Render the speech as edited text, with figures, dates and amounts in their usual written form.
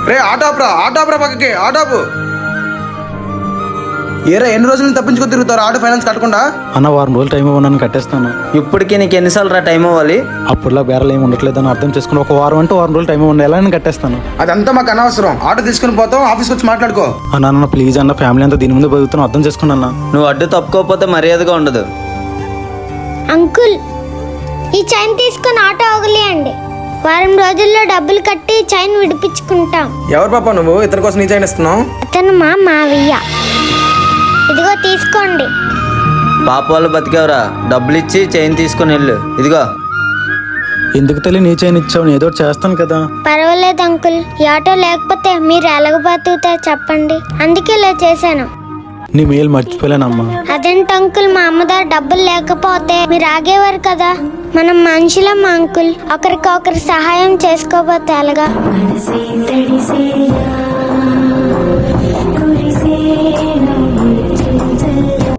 రే auto ఆపరా పక్కకి ఆటోపు. ఏరా ఎన్ని రోజులు తప్పించుకొని తిరుగుతారు ఆటో ఫైనాన్స్ కట్టకుండా? అన్న వారం రోజులు టైం ఇవ్వనని కట్టేస్తాను. ఇప్పటికి నీకు ఎన్నిసార్లు రా టైం ఇవ్వాలి? అప్పుడులా బేరాలు ఏమి ఉండట్లేదని అర్థం చేసుకుని ఒక వారం అంటే వారం రోజులు టైం ఇవ్వండి, ఎలా అని కట్టేస్తాను. అదంతా మాకు అనవసరం. ఆటో తీసుకుని పోతాం, ఆఫీస్కి వచ్చి మాట్లాడుకో. అన్న ప్లీజ్ అన్న, ఫ్యామిలీ అంతా దీని ముందు బతుకుతున్నాను, అర్థం చేసుకున్నా అన్న. నువ్వు అడ్డు తప్పుకోకపోతే మర్యాదగా ఉండదు. అంకుల్, ఈ చైన్ తీసుకొని ఆటో వదిలేయండి. వారం రోజుల్లో డబ్బులు కట్టి చైన్ విడిపించుకుంటాం. ఎవరు పాప నువ్వు ఇతని కోసం నీ చైన్ ఇస్తున్నావు? అతను మా మావయ్య. ఇదిగో తీసుకోండి. పాప వాళ్ళు బతికేవరా, డబ్బులు ఇచ్చి చైన్ తీసుకుని వెళ్ళు. ఇదిగో. ఎందుకు తల్లి నీ చైన్ ఇచ్చావు, నేను ఏదో ఒకటి చేస్తాను కదా. పర్వాలేదు అంకుల్, ఈ ఆటో లేకపోతే మీరు ఎలాగ బతుకుతారు చెప్పండి, అందుకే ఇలా చేశాను. నీ మేలు మర్చిపోలేనమ్మా. అదేంటి అంకుల్, మా అమ్మ దగ్గర డబ్బులు లేకపోతే మీరు ఆగేవారు కదా. మనం మనుషులం అంకుల్, ఒకరికొకరు సహాయం చేసుకోకపోతే ఎలాగా?